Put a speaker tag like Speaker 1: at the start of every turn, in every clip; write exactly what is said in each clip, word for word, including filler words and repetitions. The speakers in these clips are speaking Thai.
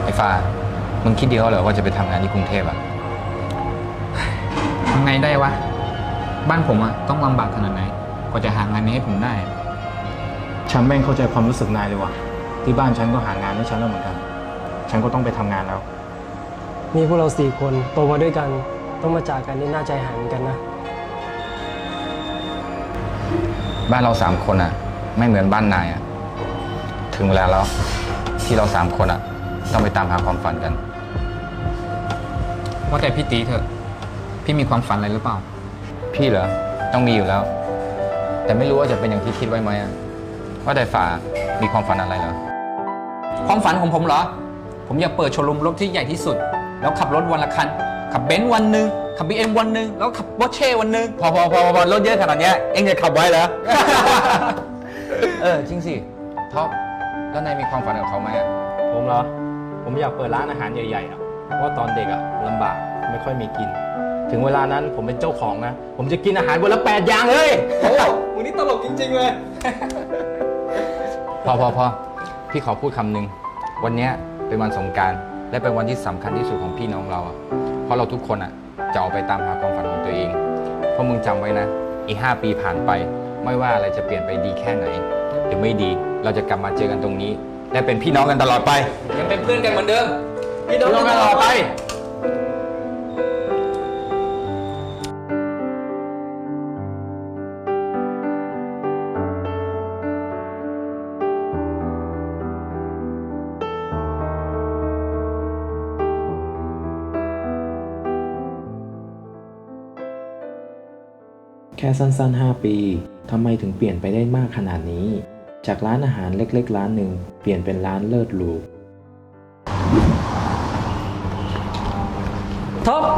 Speaker 1: อ้ฟ้ามึงคิดเดียวเหรอว่าจะไปทำงานที่กรุงเทพอะ
Speaker 2: ทำไงได้วะบ้านผมอะต้องลำบากขนาดไหนกว่าจะหางานนี้ให้ผมได้
Speaker 3: ฉันแม่งเข้าใจความรู้สึกนายเลยว่ะที่บ้านฉันก็หางานให้ฉันแล้วเหมือนกันฉันก็ต้องไปทำงานแล้ว
Speaker 4: มีพวกเราสี่คนโตมาด้วยกันต้องมาจากกันนี่น่าใจหายเหมือนกันนะ
Speaker 1: บ้านเราสามคนอะไม่เหมือนบ้านนายอะถึงเวลาแล้วที่เราสามคนอะต้องไปตามหาความฝันกัน
Speaker 2: ว่าแต่พี่ตีเถอะพี่มีความฝันอะไรหรือเปล่า
Speaker 1: พี่เหรอต้องมีอยู่แล้วแต่ไม่รู้ว่าจะเป็นอย่างที่คิดไว้ไหมอะว่าแต่ฝ่ามีความฝันอะไรเหรอ
Speaker 2: ความฝันของผมเหรอผมอยากเปิดโชว์รูมรถที่ใหญ่ที่สุดแล้วขับรถวันละคันขับเบนซ์วันหนึ่งขับบีเอ็มวันหนึ่งแล้วขับปอร์เช่วันหนึ่ง
Speaker 1: พอพอพอพอรถเยอะขนาดนี้เอ็งจะขับไว้เหรอ เออจริงสิท็อปแล้วนายมีความฝันกับเขาไหมอะ
Speaker 3: ผมเหรอผมอยากเปิดร้านอาหารใหญ่ๆอ่ะเพราะตอนเด็กอ่ะลำบากไม่ค่อยมีกิน ถึงเวลานั้นผมเป็นเจ้าของนะผมจะกินอาหารวันละแปดอย่างเลย
Speaker 2: โอ้มึงนี่ตลกจริงๆเลย
Speaker 1: พอพอพอพี่ขอพูดคำหนึ่งวันนี้เป็นวันสงกรานต์และเป็นวันที่สำคัญที่สุดของพี่น้องเราอ่ะเพราะเราทุกคนอ่ะจะออกไปตามหาความฝันของตัวเองเพราะมึงจำไว้นะอีกห้าปีผ่านไปไม่ว่าอะไรจะเปลี่ยนไปดีแค่ไหนหรือไม่ดีเราจะกลับมาเจอกันตรงนี้และเป็นพี่น้องกันตลอดไป
Speaker 2: ยังเป็นเพื่อนกันเหมือนเดิม
Speaker 1: พี่น้องกันตลอดไป
Speaker 5: แค่สั้นๆห้าปีทำไมถึงเปลี่ยนไปได้มากขนาดนี้จากร้านอาหารเล็กๆร้านหนึ่งเปลี่ยนเป็นร้านเลิศหรู
Speaker 4: ท็อป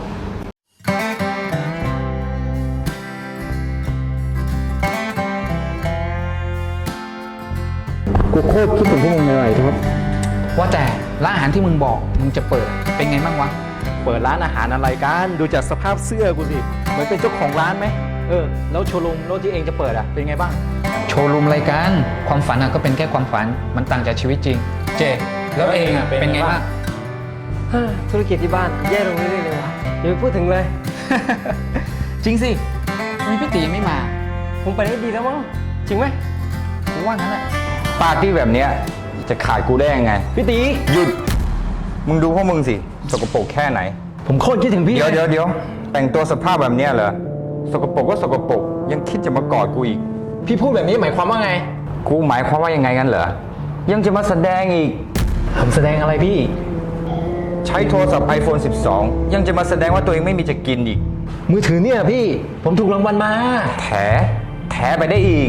Speaker 3: กูโคตรคิดถึงพวกมึงเลยท็อป
Speaker 2: ว่าแต่ร้านอาหารที่มึงบอกมึงจะเปิดเป็นไงบ้างวะ
Speaker 3: เปิดร้านอาหารอะไรกันดูจากสภาพเสื้อกูสิเหมือนเป็นเจ้าของร้านไหมเออแล้วโชว์รูมรถที่เองจะเปิดอ่ะเป็นไงบ้าง
Speaker 2: โชว์รูมรายการความฝันอะก็เป็นแค่ความฝันมันต่างจากชีวิตจริงเจแล้วเองอะเป็นไงบ้าง
Speaker 4: ธุรกิจที่บ้านแย่ลงเรื่อยๆเลยว่ะอย่าไปพูดถึงเลย
Speaker 2: จริงสิทำไมพี่ตีไม่มา
Speaker 4: ผมไปได้ดีแล้วมั้งจริงไหม
Speaker 2: กูว่างั้นแหละ
Speaker 1: ปาร์ตี้แบบเนี้ยจะขาดกูได้ยังไง
Speaker 4: พี่ตี
Speaker 1: หยุดมึงดูพวกมึงสิสกปรกแค่ไหน
Speaker 4: ผมโคตรคิดถึงพี่
Speaker 1: เดี๋ยวเดี๋ยวเดี๋ยวแต่งตัวสภาพแบบเนี้ยเหรอสกปรกก็สกปรกยังคิดจะมากอดกูอีก
Speaker 4: พี่พูดแบบนี้หมายความว่าไง
Speaker 1: กูหมายความว่ายังไงกันเหรอยังจะมาแสดงอีก
Speaker 4: ผมแสดงอะไรพี่
Speaker 1: ใช้โทรศัพท์ ไอโฟน สิบสอง ยังจะมาแสดงว่าตัวเองไม่มีจะกินอีก
Speaker 4: มือถือเนี่ยพี่ผมถูกรางวัลมา
Speaker 1: แถแถไปได้อีก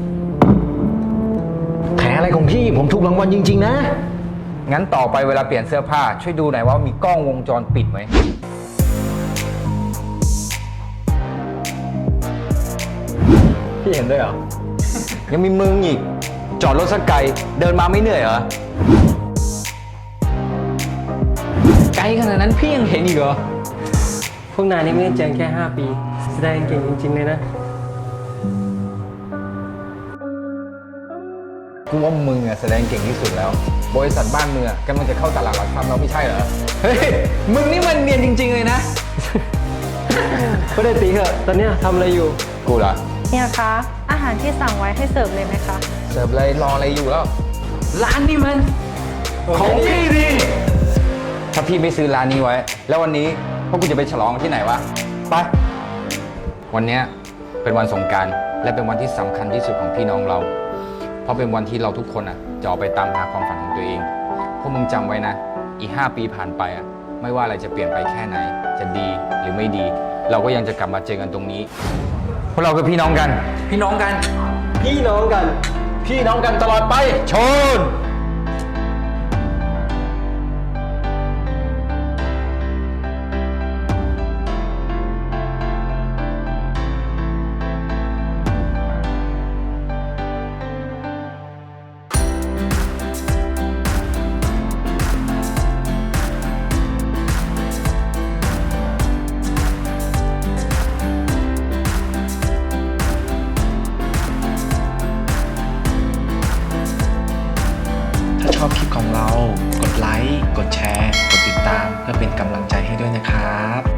Speaker 4: แถอะไรของพี่ผมถูกรางวัลจริงๆนะ
Speaker 1: งั้นต่อไปเวลาเปลี่ยนเสื้อผ้าช่วยดูหน่อยว่ามีกล้องวงจรปิดไหม
Speaker 4: พี่เห็นด้วยเหรอ
Speaker 1: ยังมีมึงอีกจอดรถสักไกลเดินมาไม่เหนื่อยเหรอ
Speaker 2: ไกลขนาดนั้นพี่ยังเห็นอีกเหรอ
Speaker 4: พวกนายนี่ไม่ได้เจอแค่ห้าปีแสดงเก่งจริงๆเลยนะ
Speaker 1: กูว่ามึงอะแสดงเก่งที่สุดแล้วบริษัทบ้านเมืองกำลังจะเข้าตลาดหลักทรัพย์เราไม่ใช่เหรอ
Speaker 2: เฮ้ยมึงนี่มันเนียนจริงๆเลยนะ
Speaker 4: ก็ได้ตีเหอะตอนนี้ทำอะไรอยู่
Speaker 1: กูเหรอ
Speaker 6: เนี่ยคะอาหารที่สั่งไว้ให้เสิร์ฟเลยไหมคะ
Speaker 1: เสิร์ฟเลยรออะไรอยู่แล้ว
Speaker 2: ร้านนี้มัน
Speaker 1: ของพี่ดิถ้าพี่ไม่ซื้อร้านนี้ไว้แล้ววันนี้พวกกูจะไปฉลองที่ไหนวะไปวันนี้เป็นวันสงกรานต์และเป็นวันที่สำคัญที่สุดของพี่น้องเราเพราะเป็นวันที่เราทุกคนอ่ะจะออกไปตามหาความฝันของตัวเองพวกมึงจำไว้นะอีกห้าปีผ่านไปอ่ะไม่ว่าอะไรจะเปลี่ยนไปแค่ไหนจะดีหรือไม่ดีเราก็ยังจะกลับมาเจอกันตรงนี้พวกเราคือพี่น้องกัน
Speaker 2: พี่น้องกัน
Speaker 4: พี่น้องกัน
Speaker 1: พี่น้องกันตลอดไปชน
Speaker 5: ชอบคลิปของเรากดไลค์ กดแชร์ กดติดตามเพื่อเป็นกำลังใจให้ด้วยนะครับ